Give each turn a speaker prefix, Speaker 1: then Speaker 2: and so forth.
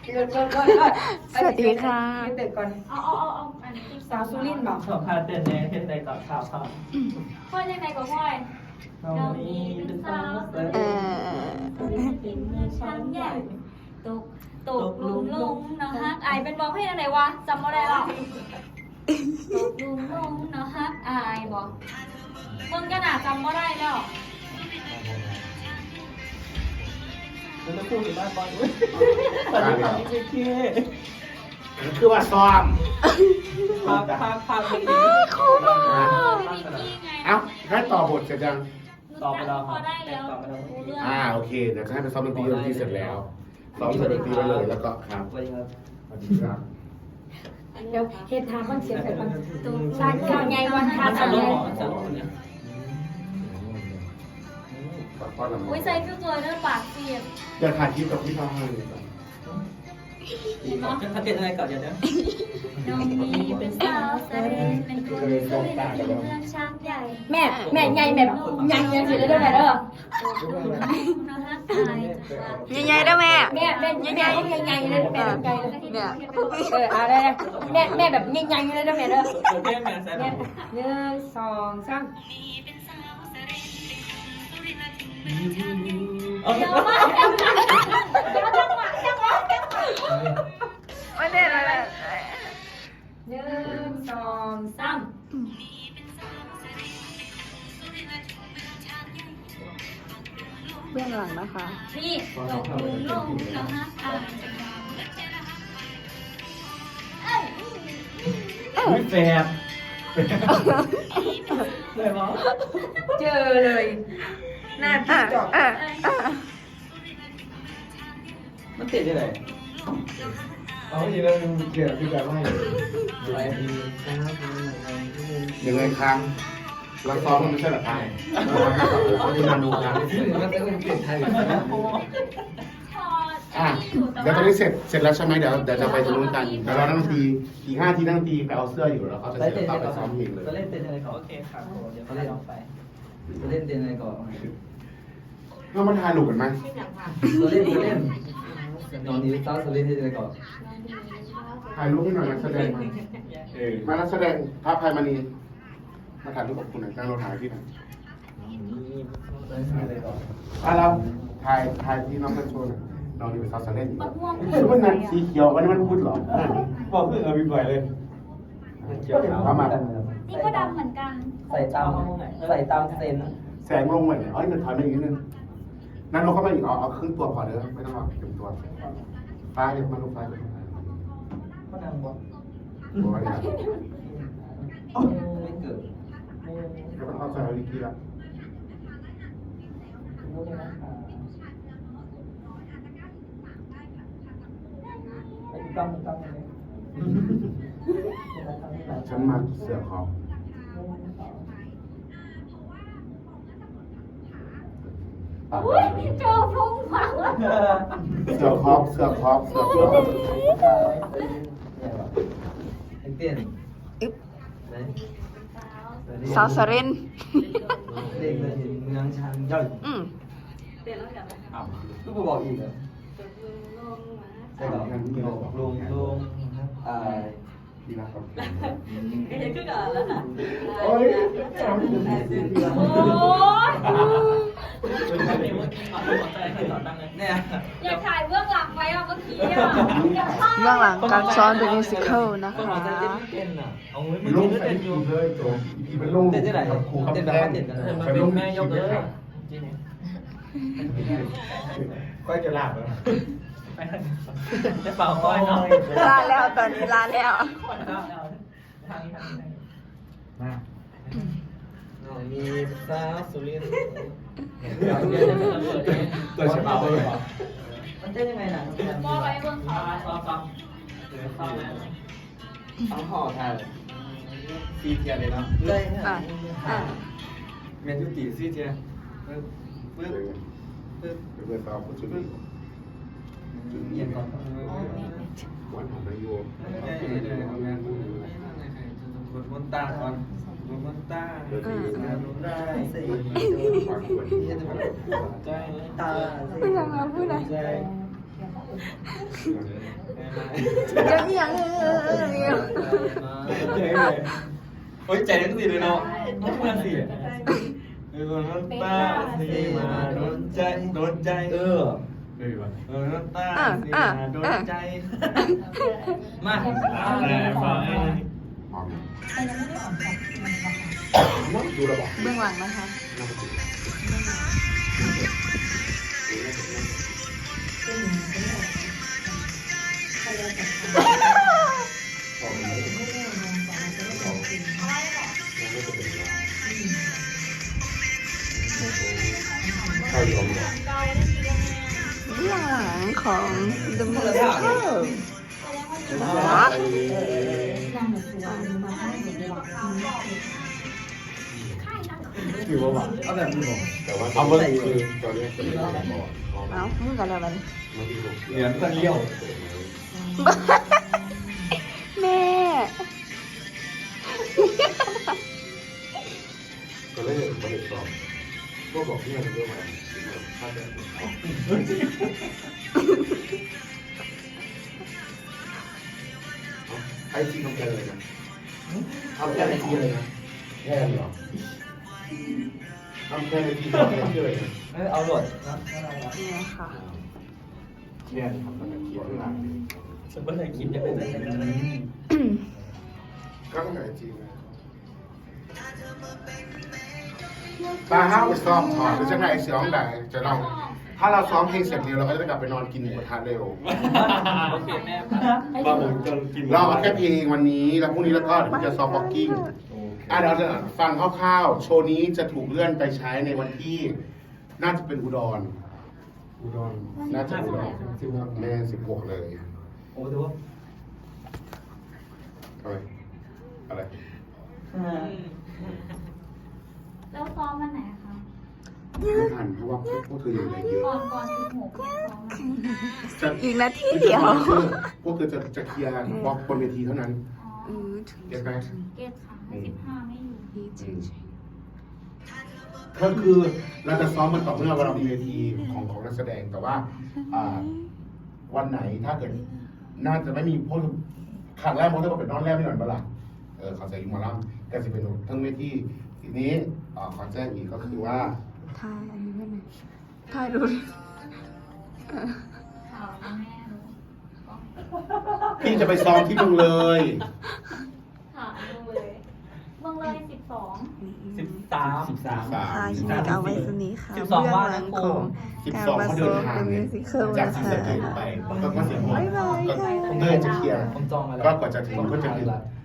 Speaker 1: สวัสดีค่ะ
Speaker 2: เด็กก่อน
Speaker 3: เอาอันนี้
Speaker 2: สาวสุรินทร์บอก
Speaker 4: ขอพาเต้นในเต้นในก่อนข่าวข่าว
Speaker 3: พ่อยังไงก็พ่อย
Speaker 4: น้องนี้เป็นสาวเต้น
Speaker 3: กินมือช้างใหญ่ตกลุมลงเนาะฮักอายเป็นบอกให้อะไรวะจำอะไรหรอตกลุมลงเนาะฮักอายบอกมึงก็น่าจำไม่ได้แล้ว
Speaker 4: แล้วจะพูดถึงบ้านบอลด้วยตอนนี้ตอนนี้เท่
Speaker 5: คือว่าซ้อม
Speaker 4: ๆพาไปอีก
Speaker 1: เขามา
Speaker 3: พี่พี่ไง
Speaker 5: เอ้าให้ต่อบทเสร็จยัง
Speaker 4: ต่อไปแล้วค
Speaker 3: พ
Speaker 4: รั
Speaker 3: อบ ได้แล้ว
Speaker 4: ต่อไปแล้ว
Speaker 3: รู้เรื่อง
Speaker 5: โอเคเดี๋ยวจะให้ไปซ้อมดนตรีเสร็จแล้วซ้อมเสร็จดนตรีไปเลยแล้วก็ครับ
Speaker 4: สวัสดีครับ
Speaker 5: สวัสดีครับ
Speaker 2: เดี๋ยวเฮ็ดทางมันเสียงใส่มัน
Speaker 3: สายเก่าใหญ่วันทา
Speaker 4: มัน
Speaker 3: สา
Speaker 4: จะ
Speaker 3: ย
Speaker 4: ลงจะลงเนี่ย
Speaker 3: อุ้ยใส่ฟิวตัวเนื้อปากเสียบ
Speaker 5: เดี๋ยวถ่ายคลิปกับพี่ท้องให้เลยก่อน
Speaker 4: ถ้าเต้นอะไรก่อนเดี๋ยวนะ
Speaker 3: น้องนี้เป็นสาวแสดงเป็นคนสวยในเมืองช้างใหญ่
Speaker 2: แม่ใหญ่แบบใหญ่ยังสิได้ด้วยแม่เด้อ
Speaker 3: นะฮะตาย
Speaker 1: ใหญ่ๆได้แม่
Speaker 2: แม่ใหญ่ใหญ่เลยแม่ไกลเลย
Speaker 1: เนี่ย
Speaker 2: อะไรแม่แบบใหญ่เลยด้วยแม่เด้อ
Speaker 4: เต้นแมนแซน
Speaker 2: แม่1 2 3
Speaker 4: เอา
Speaker 3: เยอะมากจังหวะ
Speaker 1: ไม่ได้เลย
Speaker 2: 1 2 3
Speaker 1: เบื้องหลังนะคะ
Speaker 3: นี่ตกลุมลงนะฮะตาย
Speaker 4: ไม่แฝดเลยมั้ง
Speaker 2: เจอเลยหน้าพี่จอก
Speaker 4: มันติดยังไง
Speaker 5: เอาอีกแล้วเกี่ยวกับแบบว่า
Speaker 4: อะไร
Speaker 5: ยังไงครั้งเราซ้อมมันไม่ใช่หรอครับเราจะมาดูกัน
Speaker 4: มันจะเป็นเปลี่ยนไทย
Speaker 5: เดี๋ยวตอนนี้เสร็จแล้วใช่ไหมเดี๋ยวจะไปตรงนู้นกันเดี๋ยวเรานั่งทีอีก5 ทีนั่งทีไปเอาเสื้ออยู่แล้วเขาจะเสร็จแล้วไปซ้อมเพลงเลย
Speaker 4: จะเล่นเต้นอะไรก่อนโอเคครับเดี๋ยวเขาเล่นออกไปจะเล่นเต้นอะไรก่อน
Speaker 5: เรามาทายหลุกกันไหม
Speaker 4: จะเล่นนอนนี้เต้าจะเล่นอะไรก่อน
Speaker 5: ถ่ายรูปให้หน่อยนักแสดงมานักแสดงภาพพายมณีมาถ่ายรูปกับคุณหน่อยนั่งรถถ่ายพี่หน่อย
Speaker 4: อะไรก่อน
Speaker 5: เราถ่ายที่น้องกันโชว์หน่อยเรานี่เป็นซาวเล่นมันนั่นสีเขียววันนี้มันพูดหรอ
Speaker 4: บอกเพื่อนเอาไปปล่อยเลย
Speaker 5: เอามา
Speaker 3: นี่ก็ดำเหมือนกัน
Speaker 4: ใส่ตามเซน
Speaker 5: แสงลงเหมือนเอ้ยมันถอยมาอีกนิดนึงนั่นลงเข้ามาอีกเอาครึ่งตัวพอเด้อไม่ต้องเอาเต็มตัวฟ้าเดี๋ยวมาลงฟ้าเลย
Speaker 4: ก็ดังบอก
Speaker 5: บอกว่าเนี่ย
Speaker 4: ไม่เกิด
Speaker 5: ก็ต้องเข้าใจวิธีละ
Speaker 4: ต้องเลย
Speaker 5: ฉันมาเสือขอบปาก
Speaker 3: อุ้ยเจอพุ่งฝังแล้ว
Speaker 5: เสือขอบเสือขอบเสือขอบ
Speaker 4: เต้น
Speaker 1: สาวสริน
Speaker 4: เด็กเลยเมืองชันย่อย ลูกบอกอีกเหรอใช่หรอลง
Speaker 5: ดีนะครับ
Speaker 3: เห็นขึ้นก่อนแล้วค่ะ
Speaker 5: โอ้ย
Speaker 3: โอ้ย
Speaker 4: เนี่ย
Speaker 3: อยากถ่ายเบื้องหลังไว้อ่ะเมื่อกี้อ่ะอยากถ่าย
Speaker 1: เบื้องหลังการซ้อมเป็นมิวสิควลนะคะ
Speaker 4: เต้นอ่ะเอาไว้
Speaker 5: ลงใส่ดีเลยตัวอีเป็นลง
Speaker 4: เต้นที่ไหน
Speaker 5: ครูครับ
Speaker 4: เต้นแบบ
Speaker 5: แด
Speaker 4: ว่าง เต้นกัน
Speaker 5: ไปลง
Speaker 4: แม่ยกเลย
Speaker 5: ก็จะลากแล้ว
Speaker 4: จะเป่าก้อยเนาะ
Speaker 1: ลาแล้วตอนนี้ลาแล้ว
Speaker 4: ทางนี้มามีสาวสุรินทร์เกิดฉบับเลยเหรอมันเต้นยังไงน่ะ
Speaker 3: มอไว้เบื้องเขา
Speaker 4: ต้องห่อทานซีเทียเลยเนาะเลย เมนยูตีซีเทียปึ๊บปึ๊บปึ๊บ
Speaker 5: เพื่อนเราผู้ชุดนี้
Speaker 4: เย็นก่อน
Speaker 5: วันของนายโยม
Speaker 4: บนมนตาก่อนบนมนตาได้สิตา
Speaker 1: พูดอะไรพูดอะไร
Speaker 4: ใจ
Speaker 1: จะเอียง
Speaker 4: โอ้ยใจเล่นสิเลยเนาะต้องเพื่อนสิเออน้ำตาสีมาโดนใจโดนใจน้ำตาสีมาโดนใจมาฟัง
Speaker 5: หอมดูระบบ
Speaker 1: เบื้องหลังนะคะ
Speaker 5: ข้าวเหนียว
Speaker 1: เบื้องหลังของ The Musical
Speaker 4: ถือว่าแบบเอาแบบนี้บอก
Speaker 5: แต่ว่าเอาเมื่อคือตอนนี้จะเป็นอะไรบอก
Speaker 1: เอ้ามึงกันแล้วมัน
Speaker 4: เหรียญตั้งเลี้ยว
Speaker 1: แม่
Speaker 5: ก็เลยไม่ได้สอบก็บอกเพื่อนเรื่องอะไรถ้าจะไอจีทำแค่เลยนะทำแค่ไอจีเลยนะแค่เหรอทำแค่ไอจีทำแค่ชื่อเลยนะ
Speaker 4: เอาหลดนะ
Speaker 1: เนี่ยค่ะ
Speaker 5: แค่ทำแต่เขียนหลัง
Speaker 4: ฉันไม่เคยคิดจะเป็นอะไร
Speaker 5: ก็ต้องไอจีเลยตาห้าวไปซ้อมถอดหรือจะไงเสียงไหนจะลองถ้าเราซ้อมเพลงเสร็จเร็วเราก็จะกลับไปนอนกินหมูกระทะเร็ว
Speaker 4: โอเคแม่บ้าผมจะกิน
Speaker 5: เราเอาแค่เพลงวันนี้แล้วพรุ่งนี้แล้วก็เดี๋ยวจะซ้อมบ็อกกิ้งเราจะฟังคร่าวๆโชว์นี้จะถูกเลื่อนไปใช้ในวันที่น่าจะเป็นอุดรน่าจะอุดรแม่16เลย
Speaker 4: โอ้ดูว่า
Speaker 5: อะไร
Speaker 3: แล้วซ้อมวันไหนคะ
Speaker 5: ไม่ทันเพราะว่าพวกเธออยู่ในเยอะ
Speaker 3: ก่อน16เนี่ยซ้อมวันไหน
Speaker 5: จะ
Speaker 1: อีกนาทีเดียว
Speaker 5: พวกเธอจะเคลียร์บล็อกบนเวทีเท่านั้น
Speaker 3: อ๋อ
Speaker 5: เก็ตไหม
Speaker 3: เกตค่ะ15ไม่อยู่
Speaker 5: ก็คือเราจะซ้อมมันต่อเมื่อเรามีเวทีของนักแสดงแต่ว่าวันไหนถ้าเกิดน่าจะไม่มีพวกครั้งแรกมันก็เป็นนอนแรกไม่หน่อยเปล่าเขาจะอยู่มาล่ำก็จะเป็นทั้งเวทีทีนี้ขอแจ้งอีกก็คือว่า
Speaker 1: ถ่ายอันนี้ได้ไหมถ่ายดูดิ
Speaker 3: ข่าวแม่รู้
Speaker 5: พี่จะไปซ้อมที่เมืองเลย
Speaker 3: ข่าวดูเลยเมืองเลย12
Speaker 4: 13
Speaker 1: ค่ะยินดีกับไว้สนี้ค่ะ
Speaker 4: 12
Speaker 1: เบื้องหลังของ
Speaker 5: 12เขาเดินทาง
Speaker 1: The
Speaker 5: เนี่ย
Speaker 1: Musical
Speaker 5: จาก
Speaker 1: นะ
Speaker 5: ที่
Speaker 1: คะ
Speaker 5: จะถึงไปก็เสียงหมด
Speaker 1: บ๊ายบาย
Speaker 5: ก็
Speaker 1: ค่ะ
Speaker 5: เดินจะเคลียร์
Speaker 4: ผมจองมาแล้ว
Speaker 5: ก็กว่าจะถึงก็จะถึง